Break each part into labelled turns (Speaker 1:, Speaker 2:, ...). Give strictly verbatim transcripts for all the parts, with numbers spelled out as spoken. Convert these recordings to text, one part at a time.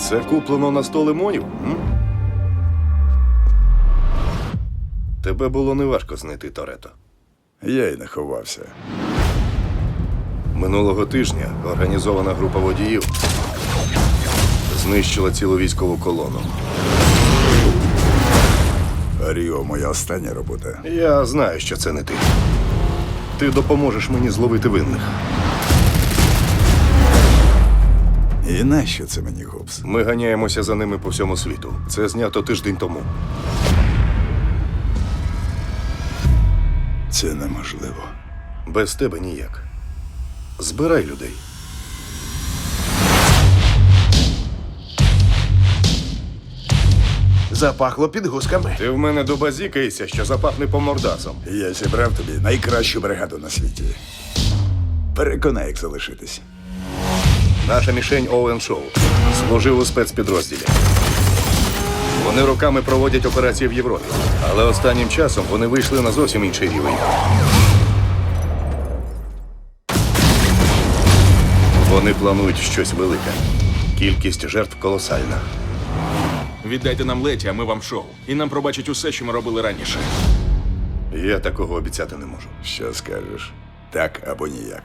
Speaker 1: Це куплено на сто лимонів? М? Тебе було неважко знайти Торетто.
Speaker 2: Я й не ховався.
Speaker 1: Минулого тижня організована група водіїв знищила цілу військову колону.
Speaker 2: Ріо, моя остання робота.
Speaker 1: Я знаю, що це не ти. Ти допоможеш мені зловити винних.
Speaker 2: І нащо це мені, Гобс?
Speaker 1: Ми ганяємося за ними по всьому світу. Це знято тиждень тому.
Speaker 2: Це неможливо.
Speaker 1: Без тебе ніяк. Збирай людей.
Speaker 3: Запахло підгузками.
Speaker 1: Ти в мене добазікаєшся, що запахне по мордасам.
Speaker 2: Я зібрав тобі найкращу бригаду на світі. Переконай, як залишитись.
Speaker 1: Наша мішень Оуен Шоу служив у спецпідрозділі. Вони роками проводять операції в Європі, але останнім часом вони вийшли на зовсім інший рівень. Вони планують щось велике. Кількість жертв колосальна.
Speaker 4: Віддайте нам Леті, а ми вам шоу. І нам пробачать усе, що ми робили раніше.
Speaker 1: Я такого обіцяти не можу.
Speaker 2: Що скажеш? Так або ніяк.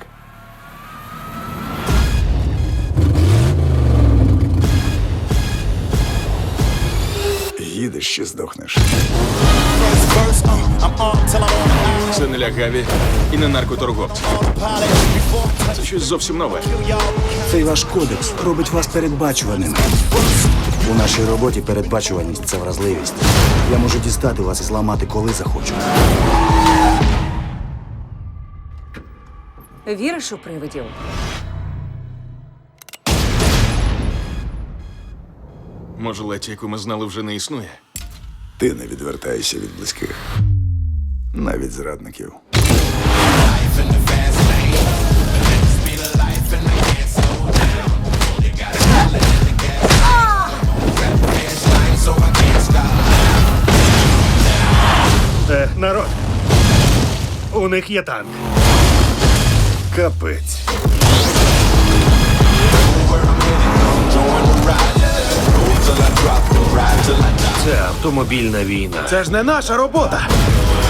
Speaker 2: Їдеш чи здохнеш?
Speaker 4: Це не лягаві і не наркоторговці. Це щось зовсім нове.
Speaker 5: Цей ваш кодекс робить вас передбачуваними. У нашій роботі передбачуваність – це вразливість. Я можу дістати вас і зламати, коли захочу.
Speaker 6: Віриш у привидів?
Speaker 4: Може, Леті, яку ми знали, вже не існує?
Speaker 2: Ти не відвертаєшся від близьких. Навіть зрадників.
Speaker 3: Е, народ, у них є танк.
Speaker 1: Капець.
Speaker 3: Це автомобільна війна. Це ж не наша робота.